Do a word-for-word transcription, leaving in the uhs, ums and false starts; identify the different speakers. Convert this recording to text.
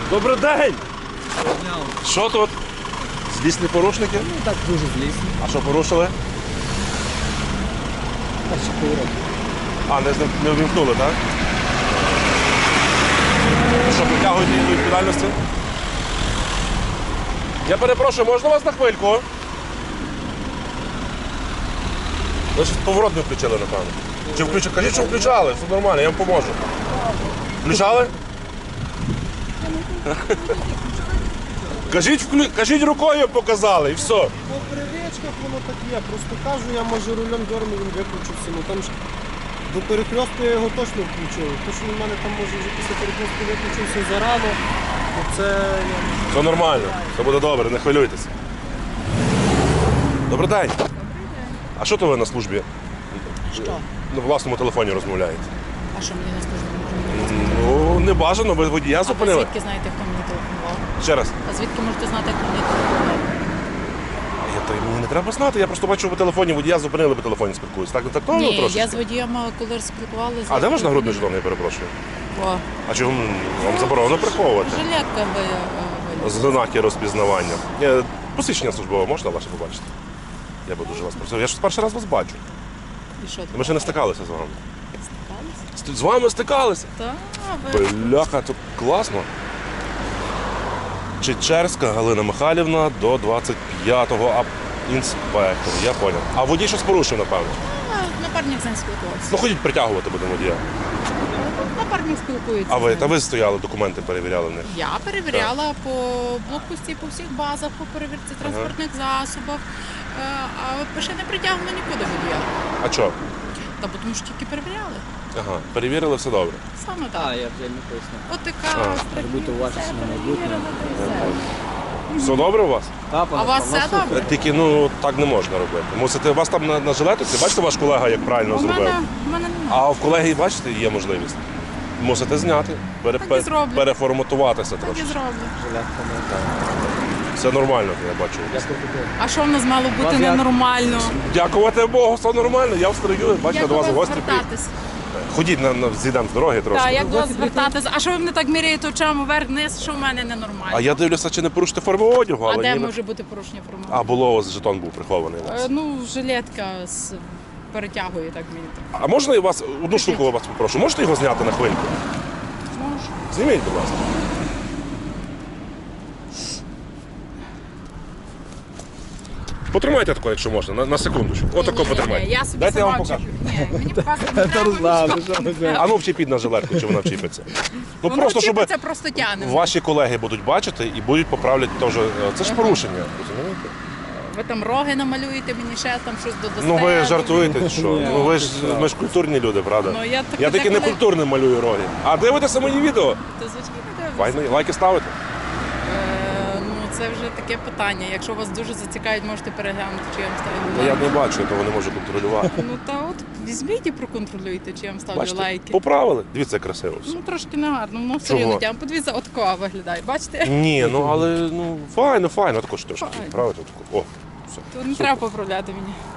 Speaker 1: Добрий день! Що тут? Злісні порушники?
Speaker 2: Ну так дуже злісні.
Speaker 1: А що порушили?
Speaker 2: Перший поворот.
Speaker 1: А, не, не увімкнули, так? Що, притягуєте їх до відповідальності? Я перепрошую, можна вас на хвильку? Ви щось поворот не включили, напевно. Чи включили? Кажіть, що включали, все нормально, я вам поможу. Включали? Кажіть, вклю... Кажіть рукою показали і все.
Speaker 2: По привичках воно так є. Просто кажу, я може рулем дьорну, він виключився. Ну там ж до перехрестку я його точно включив. То, що в мене там може вже після перехрестку виключився зарано, то це я...
Speaker 1: Все нормально, все буде добре, не хвилюйтеся. Добрий день. А що то ви на службі?
Speaker 3: Що?
Speaker 1: На власному телефоні розмовляєте?
Speaker 3: А що мені не скажуть? Може, мені не
Speaker 1: Ну, не бажано, ви водія
Speaker 3: А ви
Speaker 1: зупинили.
Speaker 3: звідки знаєте, хто мені телефонував?
Speaker 1: Ще раз.
Speaker 3: А звідки можете знати, хто мені телефонував?
Speaker 1: Я, то, мені не треба знати, я просто бачу, ви телефоні водія зупинили, по телефоні спілкуюся. Так, так, то
Speaker 3: Ні,
Speaker 1: трошечки.
Speaker 3: я з водієм, коли спілкувалися...
Speaker 1: А де ваш нагрудний жетон, я перепрошую?
Speaker 3: О,
Speaker 1: А чого вам заборонено приховувати?
Speaker 3: жилетка ви... ви-
Speaker 1: Знаки розпізнавання. Е, Посвідчення службове можна ваше побачити? Я би дуже вас просив. Я ж перший раз вас бачу.
Speaker 3: І що,
Speaker 1: Ми ще не стикалися з вами.
Speaker 3: стикалися?
Speaker 1: З- З вами стикалися.
Speaker 3: Так, ви...
Speaker 1: Бляха, це класно. Чечерська Галина Михайлівна до двадцять п'ятого а інспектор. Я поняв. А водій щось порушив, напевно.
Speaker 3: А, Напарник з ним спілкувався.
Speaker 1: Ну ходіть притягувати будемо водія.
Speaker 3: Напарник спілкується.
Speaker 1: А
Speaker 3: з
Speaker 1: ви,
Speaker 3: ним.
Speaker 1: та ви стояли, документи перевіряли в них.
Speaker 3: Я перевіряла по блокпості, по всіх базах, по перевірці транспортних засобів. Е, А ще не притягнули нікуди водія.
Speaker 1: А що?
Speaker 3: Та бо тому що тільки перевіряли.
Speaker 1: Ага, перевірили, все добре.
Speaker 3: Саме
Speaker 2: А,
Speaker 3: так.
Speaker 2: я вже не пояснив.
Speaker 3: От така
Speaker 2: Може бути уважніше на майбутнє.
Speaker 1: Все добре у вас?
Speaker 3: А у вас все добре?
Speaker 1: Тільки ну так не можна робити. Мусите, у вас там на, на жилетці, бачите, ваш колега як правильно
Speaker 3: У
Speaker 1: зробив.
Speaker 3: мене, у мене немає.
Speaker 1: А в колеги, бачите, є можливість. Мусите зняти, пере,
Speaker 3: Так і зроблю.
Speaker 1: переформатуватися
Speaker 3: Так
Speaker 1: трошки.
Speaker 3: і зроблю.
Speaker 2: Жилетка не
Speaker 1: Все нормально, я бачу.
Speaker 2: Дякую.
Speaker 3: А що в нас мало бути
Speaker 2: Вас як?
Speaker 3: ненормально?
Speaker 1: Дякувати Богу, все нормально. Я встрою, бачите,
Speaker 3: Як
Speaker 1: до
Speaker 3: до
Speaker 1: вас
Speaker 3: вас
Speaker 1: гості приїхали.
Speaker 3: звертатись?
Speaker 1: Ходіть на, на зійдемо з дороги трошки.
Speaker 3: Так, як до вас звертатись? А що ви мене так міряєте очами вверх-вниз, що в мене ненормально?
Speaker 1: А я дивлюся, чи не порушите форму одягу,
Speaker 3: А
Speaker 1: але
Speaker 3: де
Speaker 1: ніби-
Speaker 3: може бути порушення форми?
Speaker 1: А було ось жетон був прихований у вас.
Speaker 3: Е, Ну, жилетка з... перетягує так мені. так.
Speaker 1: А можна я вас одну штуку я вас попрошу? Можете його зняти на хвильку?
Speaker 3: Можу.
Speaker 1: Зніміть, будь ласка. Потримайте тако, якщо можна, на, на секундочку. Отако
Speaker 3: Ні-ні-ні,
Speaker 1: потримайте.
Speaker 3: Я собі
Speaker 1: Дайте я
Speaker 3: сама
Speaker 1: вам покажу.
Speaker 3: вчеплю. Ні, мені показувати не треба.
Speaker 1: А ну вчепіть на жилетку, чи вона вчіпиться. Ну
Speaker 3: Воно
Speaker 1: просто, щоб
Speaker 3: вчепиться, просто тягне.
Speaker 1: ваші колеги будуть бачити і будуть поправляти теж. Це ж порушення, розумієте?
Speaker 3: Ви там роги намалюєте, мені ще там щось додасте.
Speaker 1: Ну ви жартуєте, чи що? Ну ви ж ми ж культурні люди, правда?
Speaker 3: Ну, я так-
Speaker 1: я таки не
Speaker 3: деколи-
Speaker 1: культурно малюю роги. А дивитеся мої відео?
Speaker 3: То звичайно дивлюся.
Speaker 1: Лайки, лайки ставите?
Speaker 3: Е, Ну це вже таке питання. Якщо вас дуже зацікавить, можете переглянути, чи я вам ставлю
Speaker 1: Ну, я
Speaker 3: лайки.
Speaker 1: не бачу, я того не можу контролювати.
Speaker 3: Ну та от візьміть і проконтролюйте, чи я вам ставлю
Speaker 1: Бачите,
Speaker 3: лайки.
Speaker 1: поправили. Дивіться, як красиво все.
Speaker 3: Ну трошки негарно, ну все
Speaker 1: Чого?
Speaker 3: рівно тям. Подивіться, от кова виглядає. Бачите?
Speaker 1: Ні, ну але ну файно, файно, також трошки.
Speaker 3: Файно.
Speaker 1: Правильно? О, все.
Speaker 3: То не треба поправляти мені.